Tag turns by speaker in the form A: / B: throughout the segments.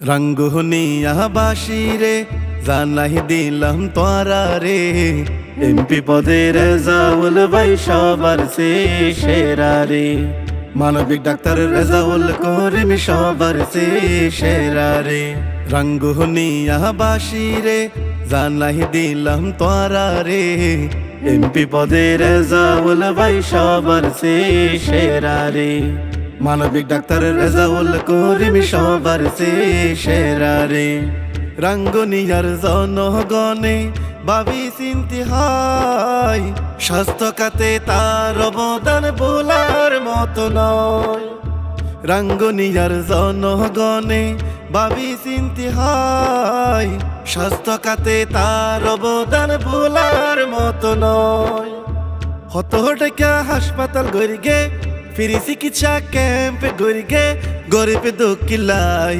A: রঙ্গুনিয়া বাসিরে জানাই দিলাম তোরা রে, এমপি পদে রেজাউল ভাই সবার সেরা রে। মানবিক ডাক্তার রেজাউল করিম সবার সেরা রে। রঙ্গুনিয়া বাসিরে জানাই দিলাম তোরা রে, এমপি পদে রেজাউল ভাই সবার সেরা রে। মানবিক ডাক্তার রেজাউল করিম সবার সেরা রে। রাঙ্গুনিয়ার জনগণে ভাবি চিন্তি হয়, স্বাস্থ্য খাতে তার অবদান বলার মতো নয়। রাঙ্গুনিয়ার জনগণে ভাবি চিন্তি হয়, স্বাস্থ্য খাতে তার অবদান বলার মতো নয়। হত টাকা হাসপাতাল গড়িগে, ফ্রি চিকিৎসা ক্যাম্প গড়িগে, গরিব দুঃখী লাই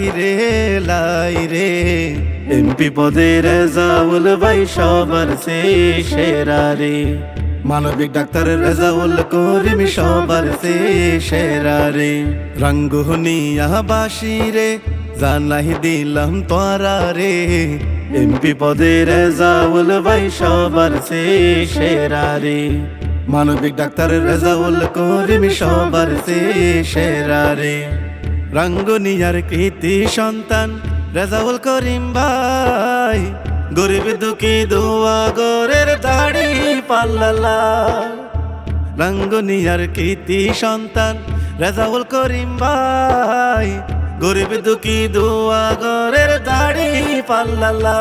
A: রে। এমপি পদে রেজাউল ভাই সবার সেরা রে। মানবিক ডাক্তার রেজাউল করিম সবার সেরা রে। রঙ্গুনিয়া বাসিরে জানাই দিলাম তোরা রে, এমপি পদে রেজাউল ভাই সবার সেরা রে। মানবিক ডাক্তার রেজাউল করিম সবার সেরা রে। রাঙ্গুনিয়ার কৃতি সন্তান রেজাউল করিম ভাই, গরিব দুঃখী দোয়া গরের দাড়ি পাল্লা। রাঙ্গুনিয়ার কৃতি সন্তান রেজাউল করিম ভাই, গরিব দুঃখী দোয়া গরের দাড়ি পাল্লা।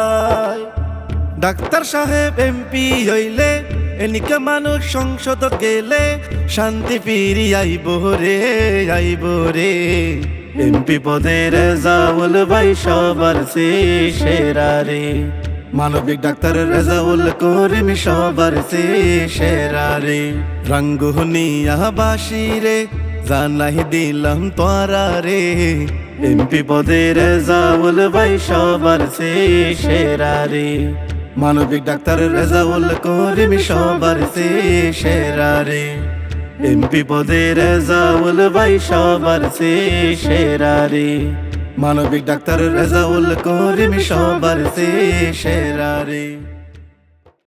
A: ডাক্তার সাহেব এমপি হইলে, এনিকা মানুষ সংসদ গেলে, শান্তি ফিরি আইব রে। এমপি পদে রেজাউল ভাই সবার সেরা রে। মানবিক ডাক্তার রেজাউল করিম সবার সেরা রে। রঙ্গুনিয়া বাসিরে জানাই দিলাম তোরা রে, এমপি পদে রেজাউল ভাই সবার সেরা রে। মানবিক ডাক্তার রেজাউল করিম সবার সেরা রে। এমপি পদে রেজাউল ভাই সবার সেরা রে। মানবিক ডাক্তার রেজাউল করিম সবার সেরা রে।